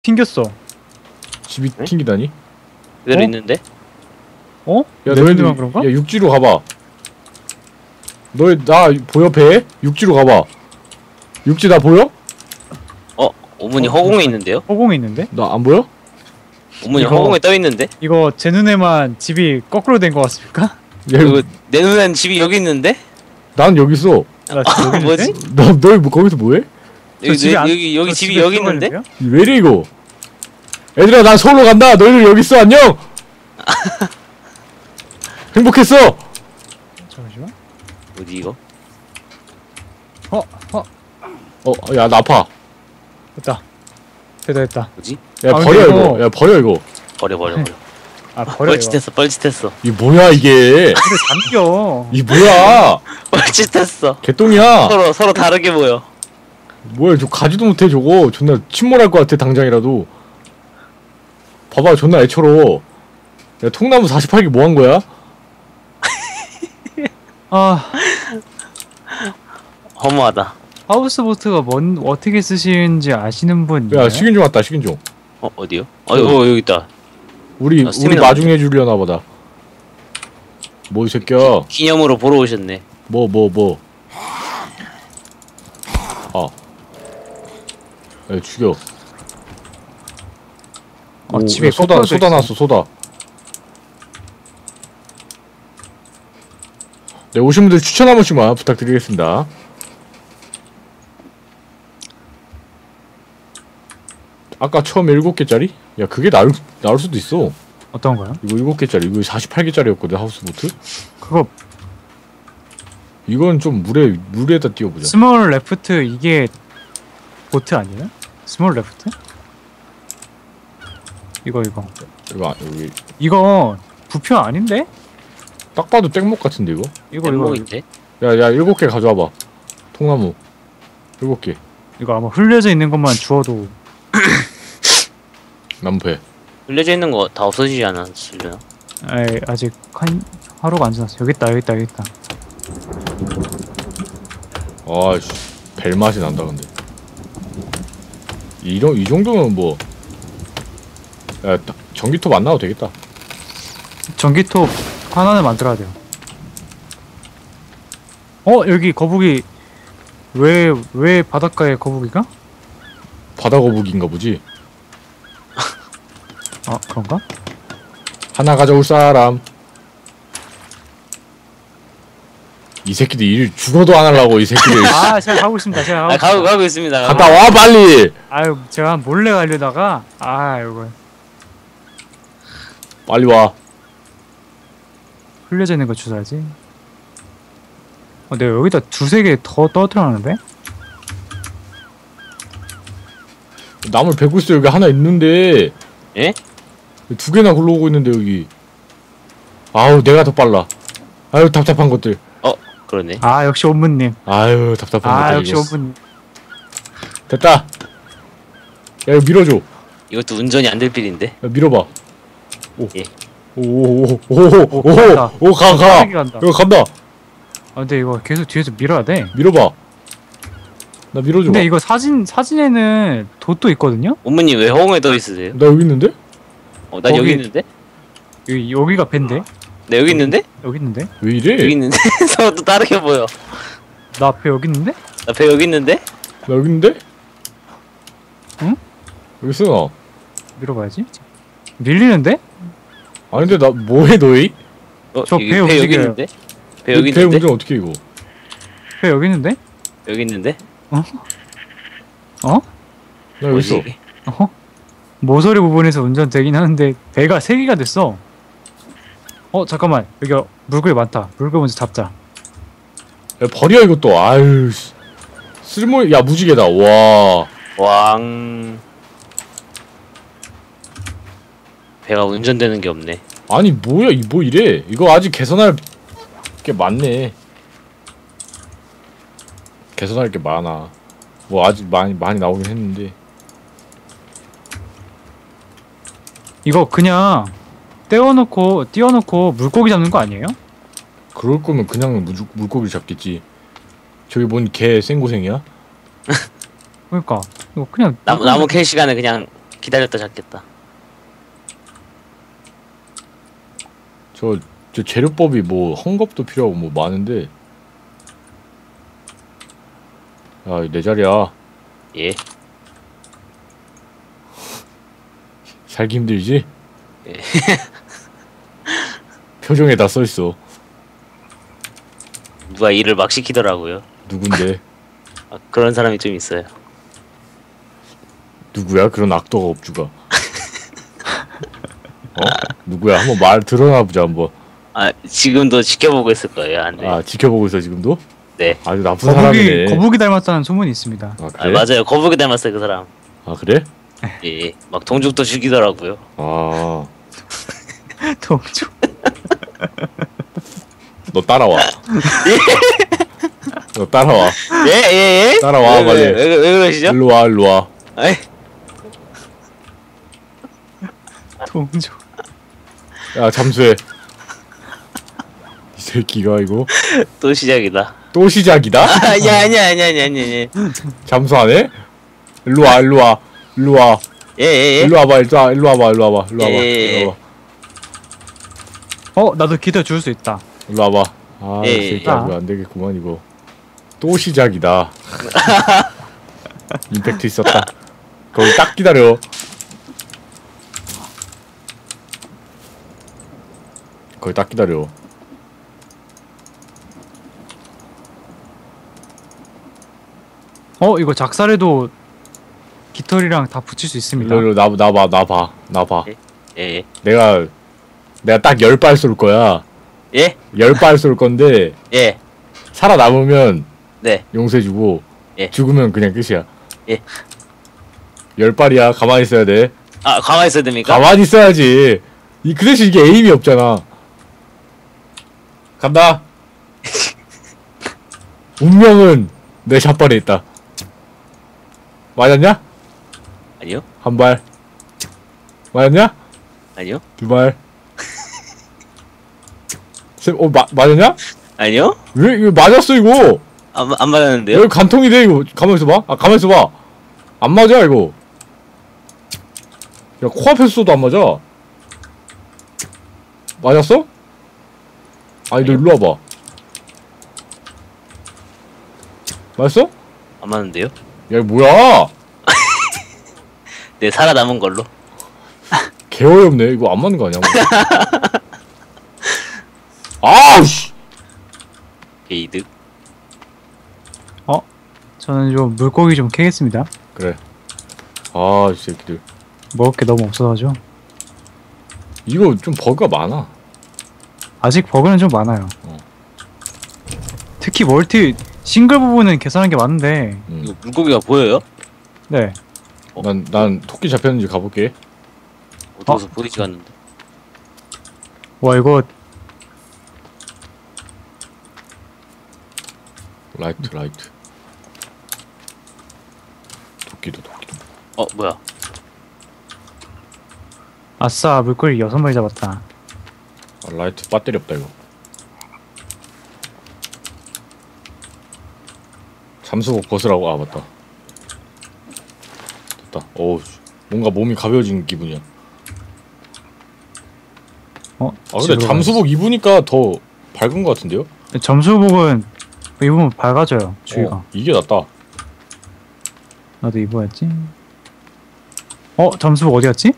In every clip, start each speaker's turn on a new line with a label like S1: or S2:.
S1: 튕겼어.
S2: 집이
S3: 응?
S2: 튕기다니?
S3: 그대로
S1: 어?
S3: 있는데?
S1: 어?
S2: 야
S1: 내
S2: 너희들
S1: 핸드만 그런가?
S2: 야 육지로 가봐. 너희 나 보여 배? 육지로 가봐. 육지 나 보여?
S3: 오문이 허공에 있는데요?
S1: 허공에 있는데?
S2: 나 안 보여?
S3: 오문이
S1: 이거-
S3: 허공에 떠 있는데?
S1: 이거 제 눈에만 집이 거꾸로 된 것 같습니까?
S2: 야,
S3: 그리고 내 눈엔 집이 여기 있는데?
S2: 난 여기 있어.
S1: 나 지금 여기
S3: 뭐지?
S1: 있는데?
S2: 너희 뭐 거기서 뭐해?
S3: 여기
S1: 집에 안-
S3: 여기
S1: 저
S3: 집이
S1: 집에
S3: 여기 있는데?
S1: 들어가는데요?
S2: 왜 이래 이거? 얘들아 난 서울로 간다. 너희들 여기 있어. 안녕. 행복했어.
S1: 잠시만.
S3: 어디 이거?
S2: 야 나 아파.
S1: 됐다. 됐다.
S3: 뭐지?
S2: 야
S1: 아,
S2: 버려
S1: 근데
S2: 이거.
S1: 이거-
S2: 야 버려 이거.
S3: 버려.
S1: 아 버려 이거.
S3: 뻘짓했어 뻘짓했어
S2: 이 뭐야 이게?
S1: 근데 잠겨.
S2: 이 뭐야?
S3: 뻘짓했어.
S2: 개똥이야.
S3: 서로 다르게 보여.
S2: 뭐야 저 가지도 못해 저거. 존나 침몰할 것 같아 당장이라도. 봐봐 존나 애처로워. 야 통나무 48개 뭐 한 거야?
S1: 아
S3: 허무하다.
S1: 하우스보트가 어떻게 쓰시는지 아시는 분?
S2: 야 식인종 왔다 식인종.
S3: 어디요? 여기 있다.
S2: 우리
S3: 스태미나
S2: 마중해 주려나 보다. 뭐 이 새끼야.
S3: 기념으로 보러 오셨네.
S2: 뭐. 야 죽여. 오,
S1: 집에
S2: 야, 소다
S1: 꺾어져 있어.
S2: 났어 소다. 네 오신 분들 추천 한 번씩만 부탁드리겠습니다. 아까 처음에 7개짜리? 야 그게 나올 수도 있어.
S1: 어떤 거요?
S2: 이거 7개짜리 이거 48개짜리였거든 하우스보트.
S1: 그거
S2: 이건 좀 물에다 띄워보자.
S1: 스몰 레프트 이게 보트 아니에요? 스몰 레프트? 이거
S2: 이거 여기
S1: 이거 부표 아닌데?
S2: 딱 봐도 땡목 같은데 이거?
S1: 이거
S3: 땡목인데?
S2: 야 7개 가져와봐. 통나무 7개.
S1: 이거 아마 흘려져 있는 것만 주워도
S2: 나무배.
S3: 흘려져 있는 거 다 없어지지 않았으려나?
S1: 에이, 아직 하루가 안 지났어. 여기 있다.
S2: 아씨 벨 맛이 난다 근데. 이 정도면 뭐. 야 전기톱 안 나와도 되겠다.
S1: 전기톱 하나는 만들어야 돼요. 여기 거북이 왜 바닷가에 거북이가?
S2: 바다 거북인가 보지.
S1: 아 그런가?
S2: 하나 가져올 사람. 이 새끼들 일 죽어도 안 하려고 이 새끼들.
S1: 아 제가 가고 있습니다.
S3: 가고 있습니다.
S2: 갔다 와 빨리.
S1: 아유 제가 몰래 가려다가 이거
S2: 빨리 와.
S1: 흘려져 있는 거 주워야지. 내가 여기다 두세 개 더 떠들어놨는데?
S2: 나물 베고 있어. 여기 하나 있는데.
S3: 예?
S2: 2개나 굴러오고 있는데 여기. 아우 내가 더 빨라. 아유 답답한 것들.
S3: 그러네.
S1: 아 역시 옴무님.
S2: 아유 답답한 것들.
S1: 역시
S2: 이거.
S1: 옴무님.
S2: 됐다. 야 이거 밀어줘. 야
S3: 이것도 운전이 안 될 필인데.
S2: 밀어봐. 오.
S3: 예.
S1: 간다.
S2: 가.
S1: 빠르게 간다.
S2: 이거 간다.
S1: 근데 이거 계속 뒤에서 밀어야 돼.
S2: 밀어봐. 나 밀어줘.
S1: 근데 이거 사진에는 돛도 있거든요?
S3: 오문이 왜 허공에 떠 있으세요?
S2: 나 여기 있는데?
S3: 난
S1: 거기-
S3: 여기 있는데?
S1: 여기가 밴데?
S3: 나 여기 있는데?
S1: 여기 있는데?
S2: 왜 이래?
S3: 여기 있는데? 서로 또 다르게 보여.
S1: 나 앞에 여기 있는데?
S3: 나 배 여기 있는데?
S2: 나 여기 있는데?
S1: 응?
S2: 여기 있어.
S1: 밀어봐야지. 밀리는데?
S2: 아니 근데 나 뭐해 너희?
S1: 저
S3: 여기
S1: 배
S3: 여기
S1: 움직여요.
S3: 있는데? 배 여기
S2: 배
S3: 있는데?
S2: 운전 어떻게 이거?
S1: 왜 여기 있는데?
S3: 여기 있는데?
S1: 어?
S2: 나 여기 있어.
S3: 뭐지 이게?
S1: 모서리 부분에서 운전되긴 하는데 배가 3개가 됐어. 잠깐만. 여기 물고기 많다. 물고기 먼저 잡자.
S2: 야 버려 이것도. 아유 씨. 야 무지개다. 와.
S3: 왕. 배가 운전되는 게 없네.
S2: 아니 뭐야 뭐 이래? 이거 아직 개선할 게 많네. 개선할 게 많아. 뭐 아직 많이 나오긴 했는데.
S1: 이거 그냥 띄워놓고 물고기 잡는 거 아니에요?
S2: 그럴 거면 그냥 물고기를 잡겠지. 저기 뭔 개 생고생이야?
S1: 그러니까 이거 그냥
S3: 나무 캘 시간에 그냥 기다렸다 잡겠다.
S2: 저 재료법이 뭐 헝겊도 필요하고 뭐 많은데. 야, 내 자리야.
S3: 예.
S2: 살기 힘들지?
S3: 예.
S2: 표정에 다 써있어.
S3: 누가 일을 막 시키더라고요.
S2: 누군데?
S3: 아, 그런 사람이 좀 있어요.
S2: 누구야? 그런 악도가 업주가. 누구야? 한번 말 드러나보자 한번.
S3: 아, 지금도 지켜보고 있을 거예요. 안 돼.
S2: 아, 지켜보고 있어 지금도?
S3: 네.
S2: 아주 나쁜 사람이네.
S1: 거북이 닮았다는 소문이 있습니다.
S2: 아,
S3: 아,
S2: 그래?
S3: 맞아요. 거북이 닮았어요, 그 사람.
S2: 아, 그래?
S3: 예. 막 동죽도 죽이더라고요.
S2: 아,
S1: 동주.
S2: 너 따라와. 너 따라와.
S3: 예, 예, 예?
S2: 따라와,
S3: 왜,
S2: 빨리.
S3: 왜 그러시죠?
S2: 일로 와, 일로 와.
S3: 아이,
S1: 동주.
S2: 야, 잠수해. 이 새끼가 이거
S3: 또 시작이다.
S2: 또 시작이다?
S3: 아, 야, 아니야.
S2: 잠수하네? 일로 와, 일로 와, 일로 와.
S3: 예, 예, 예.
S2: 일로 와봐, 일로 와봐, 일로 와봐, 일로 와봐, 일로 와봐,
S3: 예.
S2: 일로 와봐.
S1: 나도 기대 줄 수 있다.
S2: 일로 와봐. 아,
S3: 예,
S2: 이 새끼야, 이거 안 되겠구만 이거. 또 시작이다. 임팩트 있었다. 거기 딱 기다려. 거기 딱 기다려.
S1: 이거 작살에도 깃털이랑 다 붙일 수 있습니다.
S2: 일로 나 봐.
S3: 예, 예.
S2: 내가 딱 10발 쏠 거야.
S3: 예?
S2: 10발 쏠 건데
S3: 예.
S2: 살아남으면
S3: 네.
S2: 용서해주고
S3: 예.
S2: 죽으면 그냥 끝이야.
S3: 예.
S2: 10발이야. 가만히 있어야 돼.
S3: 아, 가만히 있어야 됩니까?
S2: 가만히 있어야지. 그 대신 이게 에임이 없잖아. 간다. 운명은 내 샷발에 있다. 맞았냐?
S3: 아니요?
S2: 한 발. 맞았냐?
S3: 아니요?
S2: 두 발. 맞았냐?
S3: 아니요?
S2: 왜 이거 맞았어 이거?
S3: 안 맞았는데요?
S2: 여기 간통이 돼 이거. 가만 있어봐. 아 가만 있어봐. 안 맞아 이거. 야 코앞에서 쏘도 안 맞아. 맞았어? 아니 너 일로 와봐. 맞았어?
S3: 안 맞는데요?
S2: 야 이거 뭐야?
S3: 네, 살아남은 걸로.
S2: 개 어이없네. 이거 안 맞는 거 아니야? 아우씨.
S3: 게이득.
S1: 저는 좀 물고기 좀 캐겠습니다.
S2: 그래. 아, 이 새끼들.
S1: 먹을 게 너무 없어가지고.
S2: 이거 좀 버그가 많아.
S1: 아직 버그는 좀 많아요. 특히 멀티 싱글 부분은 계산한 게 많은데.
S3: 이거 물고기가 보여요?
S1: 네.
S2: 난 토끼 잡혔는지 가볼게.
S3: 어디서 보이지가 않는데.
S1: 와 이거
S2: 라이트. 토끼도.
S3: 뭐야?
S1: 아싸 물고기 6마리 잡았다.
S2: 아, 라이트 배터리 없다 이거. 잠수복 벗으라고. 아 맞다. 됐다. 어우 뭔가 몸이 가벼워진 기분이야. 아 근데
S1: 집으로
S2: 잠수복 입으니까 더 밝은 것 같은데요?
S1: 가야지. 점수복은 입으면 밝아져요 주위가.
S2: 이게 낫다.
S1: 나도 입어야지. 점수복 어디 갔지?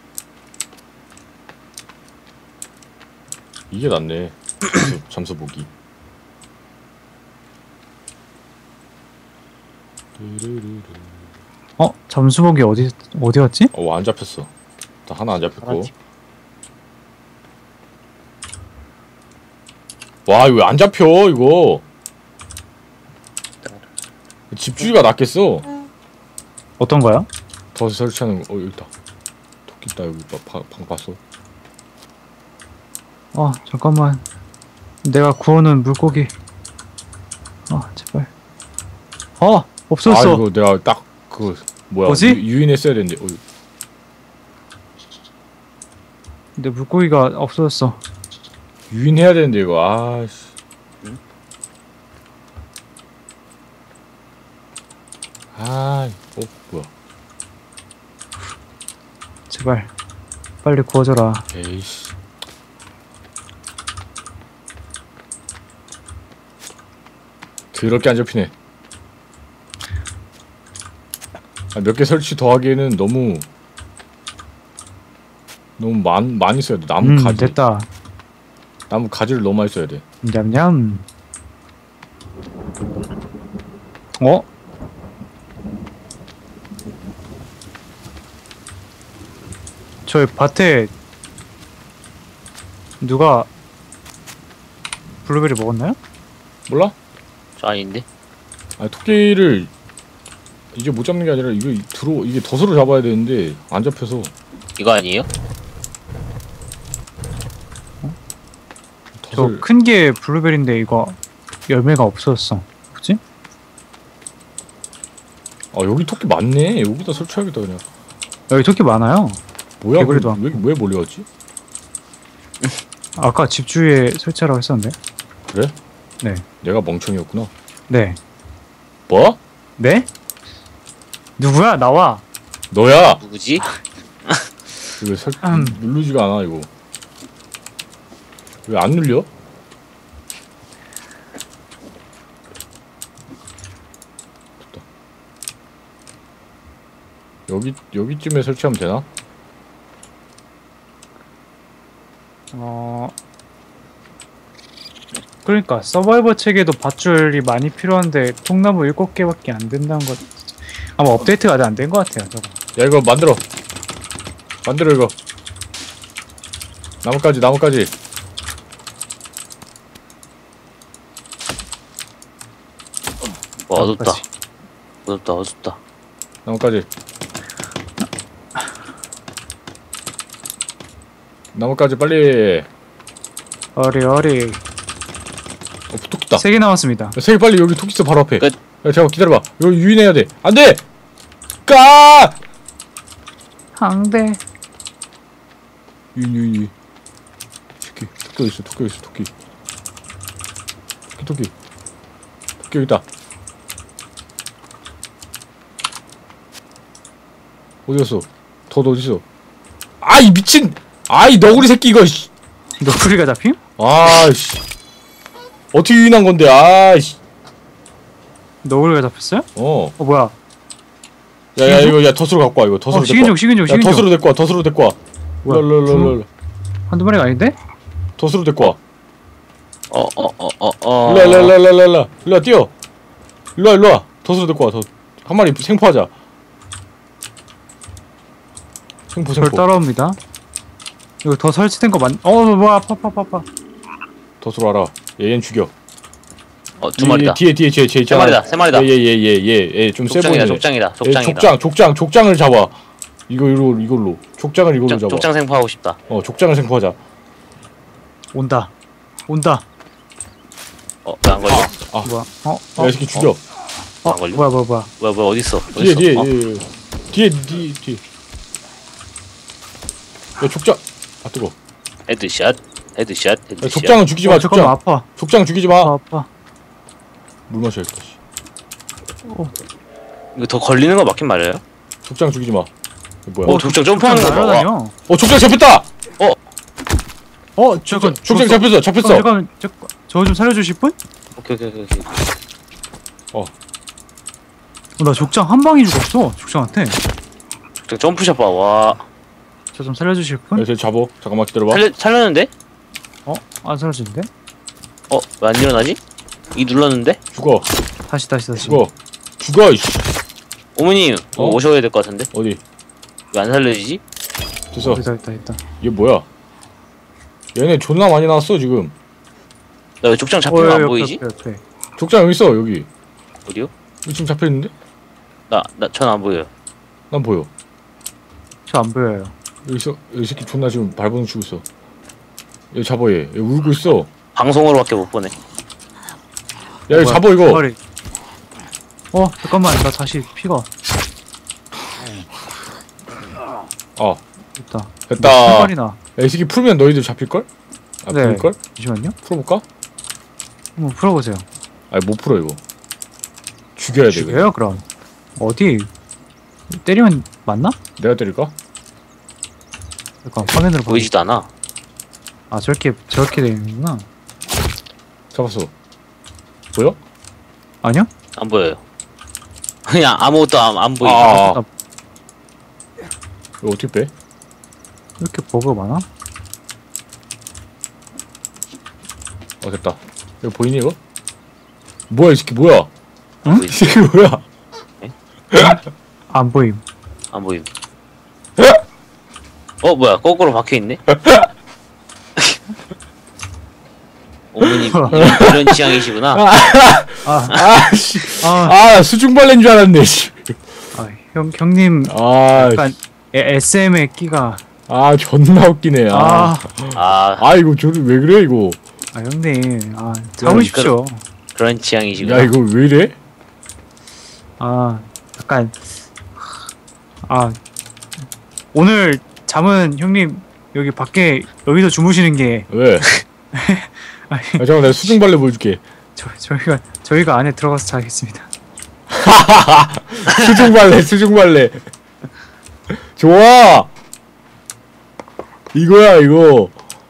S2: 이게 낫네. 잠수복이.
S1: 점수복이 어디 갔지?
S2: 안 잡혔어. 나 하나 안 잡혔고.
S3: 알았지.
S2: 와 이거 왜 안 잡혀 이거. 집주기가 낫겠어.
S1: 어떤 거야?
S2: 더 설치하는 거. 여기 있다. 토끼 있다 여기. 방 봤어.
S1: 잠깐만. 내가 구워놓은 물고기. 제발. 없었어.
S2: 이거 내가 딱 그 뭐야?
S1: 뭐지?
S2: 유인했어야 되는데.
S1: 근데 물고기가 없어졌어.
S2: 유인해야 되는데 이거. 아씨. 뭐야?
S1: 제발 빨리 구워줘라.
S2: 에이씨. 더럽게 안 잡히네. 아, 몇 개 설치 더하기에는 너무 많이 써야 돼. 나무 가지.
S1: 됐다.
S2: 나무 가지를 너무 많이 써야 돼.
S1: 냠냠. 어? 저희 밭에 누가 블루베리 먹었나요?
S2: 몰라?
S3: 저 아닌데?
S2: 아니 토끼를 이제 못 잡는 게 아니라 이게 덫으로 잡아야 되는데 안 잡혀서.
S3: 이거 아니에요?
S1: 저
S2: 덫을.
S1: 큰 게 블루베리인데 이거 열매가 없어졌어. 그치?
S2: 아 여기 토끼 많네. 여기다 설치하겠다 그냥.
S1: 여기 토끼 많아요.
S2: 뭐야?
S1: 개구리도
S2: 왜 몰려왔지?
S1: 아까 집 주위에 설치하라고 했었는데.
S2: 그래?
S1: 네.
S2: 내가 멍청이였구나.
S1: 네.
S2: 뭐?
S1: 네? 누구야? 나와.
S2: 너야.
S3: 누구지?
S2: 이거 누르지가 않아 이거. 왜 안 눌려? 됐다. 여기쯤에 설치하면 되나?
S1: 그러니까 서바이벌 책에도 밧줄이 많이 필요한데 통나무 7개밖에 안 된다는 것. 아마 업데이트가 아직 안 된 것 같아요. 저거.
S2: 야 이거 만들어 이거. 나뭇가지
S3: 와, 어둡다.
S1: 나뭇가지.
S3: 어둡다.
S2: 나뭇가지 빨리.
S1: 어리.
S2: 토끼다.
S1: 3개 남았습니다.
S2: 세개 빨리. 여기 토끼 있어 바로 앞에.
S3: 끝.
S2: 야 잠깐 기다려봐. 여기 유인해야 돼. 안돼. 까.
S1: 항대.
S2: 유인. 토끼 있어. 토끼 여기 있다. 어디 갔어? 더 어디 있어? 아이 미친! 아이 너구리 새끼 이거. 씨.
S1: 너구리가 잡힘?
S2: 아씨. 어떻게 유인한 건데? 아이씨.
S1: 너구리가 잡혔어요?
S2: 어.
S1: 뭐야?
S2: 야 이거 덫으로 갖고 와 이거. 덫으로 데리고 와.
S1: 식인종.
S2: 야 덫으로 데리고 와.
S1: 뭐야?
S2: 일로.
S1: 한두 마리가 아닌데?
S2: 덫으로 데리고 와. 일로 뛰어. 일로 와. 덫으로 데리고 와. 한 마리 생포하자. 생포.
S1: 절 따라옵니다. 이거 더 설치된 거 뭐야? 아파.
S2: 덫으로 와라. 얘는 죽여.
S3: 두 마리다.
S2: 뒤에 있잖아.
S3: 세 마리다.
S2: 얘 좀 세 보이네.
S3: 족장이다.
S2: 족장을 잡아. 이걸로. 족장을 이걸로 잡아.
S3: 족장 생포하고 싶다.
S2: 족장을 생포하자.
S1: 온다.
S3: 나 안 걸려?
S1: 뭐야?
S2: 야, 이 새끼 죽여.
S3: 안 걸려?
S1: 뭐야?
S3: 뭐야, 어딨어?
S2: 뒤에. 야, 족장. 아, 뜨거.
S3: 헤드샷.
S2: 야, 족장은 죽이지 마,
S1: 잠깐만
S2: 족장.
S1: 아파.
S2: 족장 죽이지 마.
S1: 아파.
S2: 물 마셔야겠다, 씨.
S3: 이거 더 걸리는 거 맞긴 말이에요?
S2: 족장 죽이지 마. 뭐야?
S3: 족장 점프하는 거 봐.
S1: 날아다녀.
S2: 족장 잡혔다!
S1: 잠깐.
S2: 족장 잡혔어.
S1: 잠깐. 저 좀 살려주실 분?
S3: 오케이.
S1: 나 족장 한 방에 죽었어. 족장한테.
S3: 족장 점프샷 봐. 와.
S1: 저 좀 살려주실 분?
S2: 야, 쟤 잡어. 잠깐만 기다려봐.
S3: 살렸는데?
S1: 안 살려주는데?
S3: 왜 안 일어나지? 이 눌렀는데?
S2: 죽어.
S1: 다시.
S2: 죽어, 이씨.
S3: 어머님, 오셔야 될 것 같은데?
S2: 어디?
S3: 왜 안 살려지지?
S2: 됐어.
S1: 됐다.
S2: 얘 뭐야? 얘네 존나 많이 나왔어, 지금.
S3: 나 왜 족장 잡히면 안 보이지?
S1: 옆에.
S2: 족장 여기 있어, 여기.
S3: 어디요?
S2: 여기 지금 잡혀있는데?
S3: 전 안 보여요.
S2: 난 보여.
S1: 저 안 보여요.
S2: 여기 있어. 여기 새끼 존나 지금 발버둥 치고 있어. 얘 잡아, 얘 울고 있어.
S3: 방송으로밖에 못 보네.
S2: 야, 이거 잡아, 이거.
S1: 머리. 잠깐만. 나 다시 피가.
S2: 됐다.
S1: 신발이나.
S2: 야, 이 새끼 풀면 너희들 잡힐걸?
S1: 네.
S2: 풀릴걸?
S1: 잠시만요.
S2: 풀어볼까?
S1: 한번 풀어보세요.
S2: 아니, 못 풀어, 이거. 죽여야 돼, 이거.
S1: 그럼. 어디? 때리면 맞나?
S2: 내가 때릴까?
S1: 잠깐 화면으로 봐.
S3: 보이지도 않아.
S1: 아 저렇게 되는구나.
S2: 잡았어. 보여?
S1: 아니요?
S3: 안 보여요. 그냥 아무것도 안 보이죠.
S2: 아. 이거 어떻게 빼?
S1: 이렇게 버그가 많아?
S2: 됐다. 이거 보이니 이거? 뭐야 이 새끼 뭐야?
S1: 응?
S2: 이 새끼 뭐야?
S1: 안 보임.
S3: 안 보임. 뭐야 거꾸로 박혀있네? 어머님 이런 취향이시구나.
S2: 아씨. 수중발레인 줄 알았네. 씨.
S1: 형님
S2: 아.
S1: 약간 SM의 끼가.
S2: 존나 웃기네. 이거 왜 그래 이거?
S1: 형님 참으십시오.
S3: 그런 취향이시구나.
S2: 야 이거 왜 이래?
S1: 약간 오늘 잠은 형님 여기 밖에 여기서 주무시는 게
S2: 왜? 잠깐 내가 수중발레 보여줄게.
S1: 저희가 안에 들어가서 자겠습니다.
S2: 수중발레. 좋아. 이거야 이거.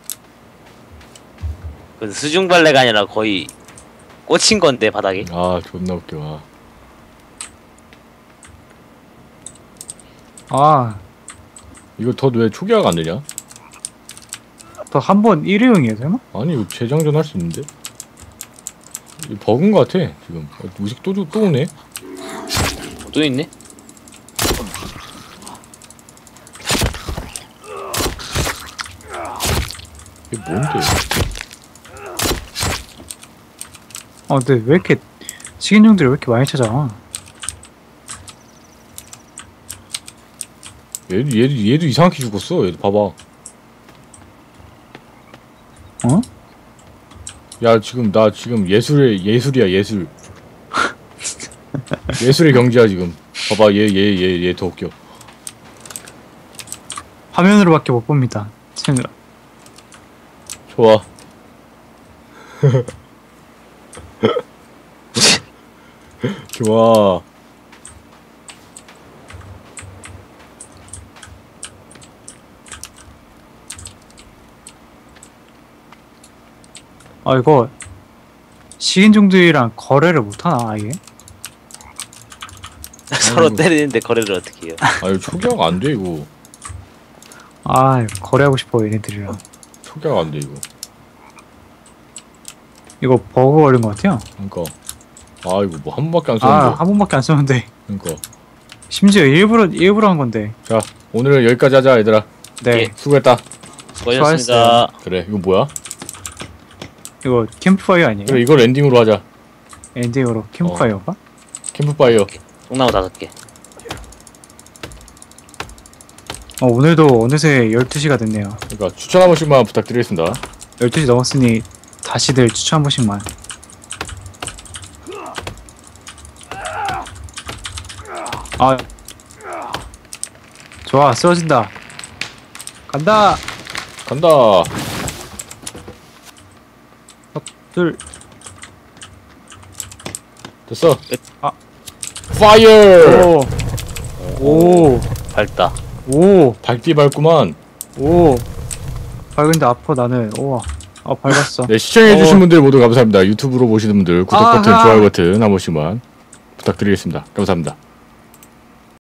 S3: 그 수중발레가 아니라 거의 꽂힌 건데 바닥에.
S2: 존나 웃겨. 이거 더 왜 초기화가 안 되냐?
S1: 더 한 번 일회용이에요 설마?
S2: 아니 이거 재장전 할 수 있는데? 이거 버그인 것 같아 지금. 무식 또 오네?
S3: 또 있네?
S2: 이게 뭔데?
S1: 근데 왜 이렇게 식인종들이 왜 이렇게 많이 찾아와?
S2: 얘도 이상하게 죽었어. 얘도 봐봐. 야 나 지금 예술이야 예술. 예술의 경지야 지금. 봐봐 얘 더 웃겨.
S1: 화면으로밖에 못 봅니다. 채널.
S2: 좋아. 좋아.
S1: 이거 식인종들이랑 거래를 못하나 아예?
S3: 서로 때리는데 거래를 어떻게 해요?
S2: 이거 초기화가 안 돼 이거.
S1: 거래하고 싶어 얘네들이랑.
S2: 초기화가 안 돼 이거.
S1: 이거 버그 걸린 것 같아요.
S2: 그러니까. 이거 뭐 한 번밖에 안 썼는데.
S1: 한 번밖에 안 썼는데.
S2: 그러니까.
S1: 심지어 일부러 한 건데.
S2: 자 오늘은 여기까지 하자 얘들아.
S1: 네.
S3: 예.
S2: 수고했다.
S3: 수고하셨습니다.
S2: 그래 이거 뭐야?
S1: 이거 캠프파이어 아니에요?
S2: 그래 이걸 엔딩으로 하자.
S1: 엔딩으로 캠프파이어가?
S2: 캠프파이어.
S3: 통나무 5개.
S1: 오늘도 어느새 12시가 됐네요.
S2: 그러니까 추천 한 번씩만 부탁드리겠습니다.
S1: 12시 넘었으니 다시들 추천 한 번씩만. 좋아, 쓰러진다. 간다. 둘.
S2: 됐어.
S1: 아.
S2: 파이어.
S1: 오.
S3: 밝다.
S1: 오.
S2: 밝디 밝구만.
S1: 오. 밝은데 아파 나는. 우와. 밝았어.
S2: 네, 시청해주신 분들 모두 감사합니다. 유튜브로 보시는 분들 구독 버튼,
S1: 아하.
S2: 좋아요 버튼 한 번씩만 부탁드리겠습니다. 감사합니다.